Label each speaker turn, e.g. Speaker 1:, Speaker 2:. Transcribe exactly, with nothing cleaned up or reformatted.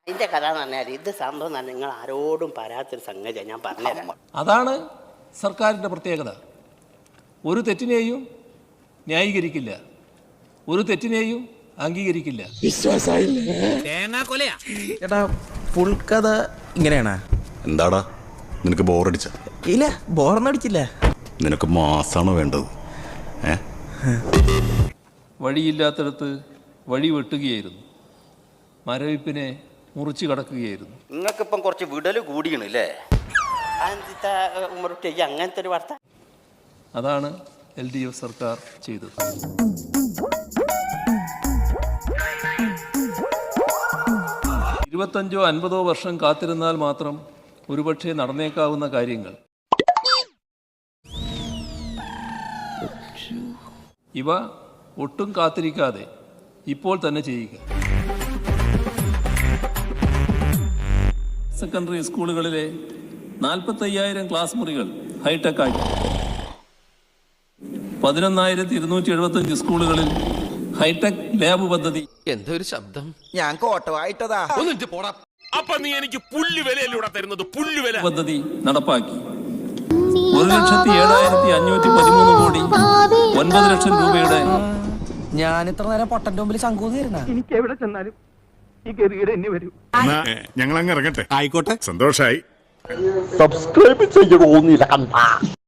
Speaker 1: ഇതിന്റെ കഥ എന്ന് പറഞ്ഞാൽ ഇത് സംഭവം തന്നെ നിങ്ങൾ ആരോടും പറയാത്തൊരു സംഗതിയാണ് ഞാൻ പറഞ്ഞുതരാം.
Speaker 2: അതാണ് സർക്കാരിൻ്റെ പ്രത്യേകത. ഒരു തെറ്റിനെയും ന്യായീകരിക്കില്ല, ഒരു തെറ്റിനെയും അംഗീകരിക്കില്ല.
Speaker 3: ചേട്ടാ ഫുൾ കഥ ഇങ്ങനെയാണോ?
Speaker 4: എന്താടാ നിനക്ക് ബോറടിച്ച?
Speaker 3: ഇല്ല, ബോറൊന്നും അടിച്ചില്ല.
Speaker 4: നിനക്ക് മാസാണോ വേണ്ടത്? ഏ
Speaker 2: വഴിയില്ലാത്തടത്ത് വഴി വെട്ടുകയായിരുന്നു, മരവിപ്പിനെ മുറിച്ചു കടക്കുകയായിരുന്നു.
Speaker 1: നിങ്ങൾക്കിപ്പം കുറച്ച് വിടൽ കൂടിയണല്ലേ ഉമ്മറുട്ടി അങ്ങനത്തെ ഒരു വാർത്ത.
Speaker 2: അതാണ് എൽ ഡി എഫ് സർക്കാർ ചെയ്തത്. ഇരുപത്തഞ്ചോ അൻപതോ വർഷം കാത്തിരുന്നാൽ മാത്രം ഒരുപക്ഷെ നടന്നേക്കാവുന്ന കാര്യങ്ങൾ ഇവ ഒട്ടും കാത്തിരിക്കാതെ ഇപ്പോൾ തന്നെ ചെയ്യുക. സെക്കൻഡറി സ്കൂളുകളിലെ നാൽപ്പത്തയ്യായിരം ക്ലാസ് മുറികൾ ഹൈടെക് ആക്കി. പതിനൊന്നായിരത്തി ഇരുന്നൂറ്റി എഴുപത്തഞ്ച് സ്കൂളുകളിൽ ഹൈടെക് ലാബ് പദ്ധതി
Speaker 5: എന്തൊരു ശബ്ദം.
Speaker 3: ഞാൻ കോട്ടവായിട്ടതാ.
Speaker 6: അപ്പൊ നീ എനിക്ക് പുല്ലുവിലൂടെ തരുന്നത് പുല്ലുവില
Speaker 2: പദ്ധതി നടപ്പാക്കി. ഒരു ലക്ഷത്തി ഏഴായിരത്തി അഞ്ഞൂറ്റി പതിമൂന്ന് കോടി ഒൻപത് ലക്ഷം രൂപയുടെ
Speaker 3: ഞാൻ ഇത്ര നേരം പൊട്ടന്റെ മുമ്പിൽ ശങ്കൂന്നിരുന്ന
Speaker 7: എനിക്ക് എവിടെ ചെന്നാലും ഈ ഗതികേട് എന്നെ വരൂ.
Speaker 4: ഞങ്ങൾ അങ്ങ് ഇറങ്ങട്ടെ. ആയിക്കോട്ടെ, സന്തോഷായി.
Speaker 1: സബ്സ്ക്രൈബ് ചെയ്യണമെന്നില്ല.